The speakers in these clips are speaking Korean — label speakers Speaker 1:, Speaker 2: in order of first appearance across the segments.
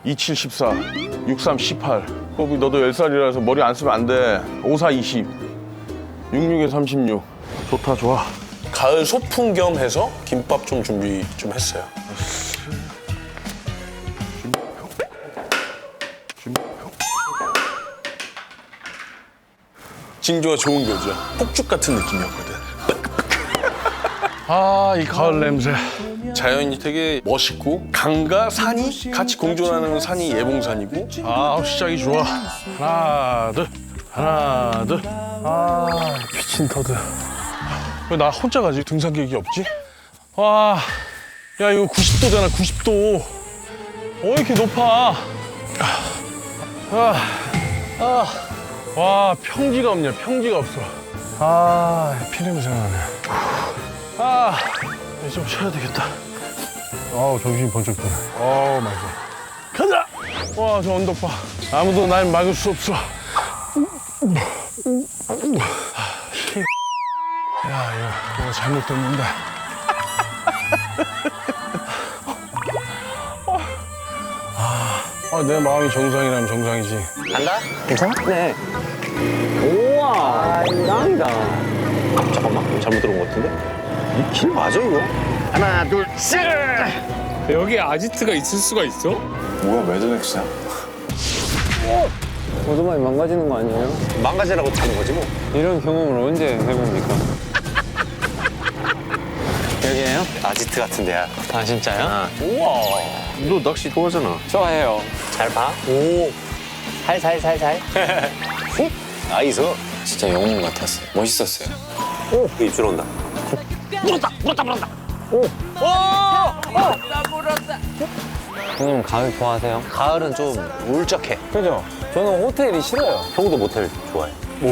Speaker 1: 27, 14, 63, 18. 꼬비 너도 10살이라서 머리 안 쓰면 안 돼. 54, 20, 66에 36. 좋다, 좋아.
Speaker 2: 가을 소풍 겸 해서 김밥 좀 준비 좀 했어요. 징조가 좋은 거죠. 폭죽 같은 느낌이었거든.
Speaker 1: 아, 이 가을 냄새.
Speaker 2: 자연이 되게 멋있고 강과 산이 같이 공존하는 산이 예봉산이고
Speaker 1: 아, 시작이 좋아. 하나, 둘, 하나, 둘. 아, 미친 터드. 왜 나 혼자 가지? 등산 계획이 없지? 와, 야, 이거 90도잖아, 90도. 이렇게 높아? 와, 평지가 없냐, 평지가 없어. 아, 피냄새 나네. 아, 이제 좀 쉬어야 되겠다. 아우, 정신이 번쩍 드네. 아우, 마이 갓. 가자! 와, 저 언덕 봐. 아무도 날 막을 수 없어. 야, 이거 잘못됐는데. 내 마음이 정상이라면 정상이지.
Speaker 3: 간다? 괜찮아? 네. 우와, 짱이다. 잠깐만, 잘못 들은 것 같은데? 이 길 맞아, 이거? 하나, 둘, 셋!
Speaker 4: 여기 아지트가 있을 수가 있어?
Speaker 2: 뭐야 매드맥스야?
Speaker 5: 오토바이 망가지는 거 아니에요?
Speaker 3: 망가지라고 타는 거지, 뭐.
Speaker 5: 이런 경험을 언제 해봅니까? 여기에요?
Speaker 3: 아지트 같은 데야.
Speaker 5: 아 진짜요?
Speaker 3: 너 낚시 좋아하잖아.
Speaker 5: 좋아해요.
Speaker 3: 잘 봐. 오. 살살살살. 나이스.
Speaker 5: 진짜 영웅 같았어요. 멋있었어요.
Speaker 3: 오. 입술 온다.
Speaker 5: 형님 가을 좋아하세요?
Speaker 3: 가을은 좀 울적해.
Speaker 5: 그죠? 저는 호텔이 싫어요.
Speaker 3: 형도 모텔 좋아해.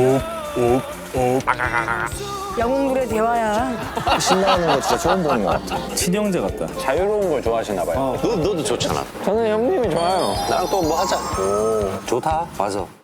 Speaker 6: 영웅물의 대화야.
Speaker 3: 신나는 거 진짜 처음 보는 것 같아.
Speaker 4: 친형제 같다.
Speaker 3: 자유로운 걸 좋아하시나 봐요. 너도 좋잖아.
Speaker 5: 저는 형님이 좋아요.
Speaker 3: 나랑 또 뭐 하자. 오. 좋다. 맞아.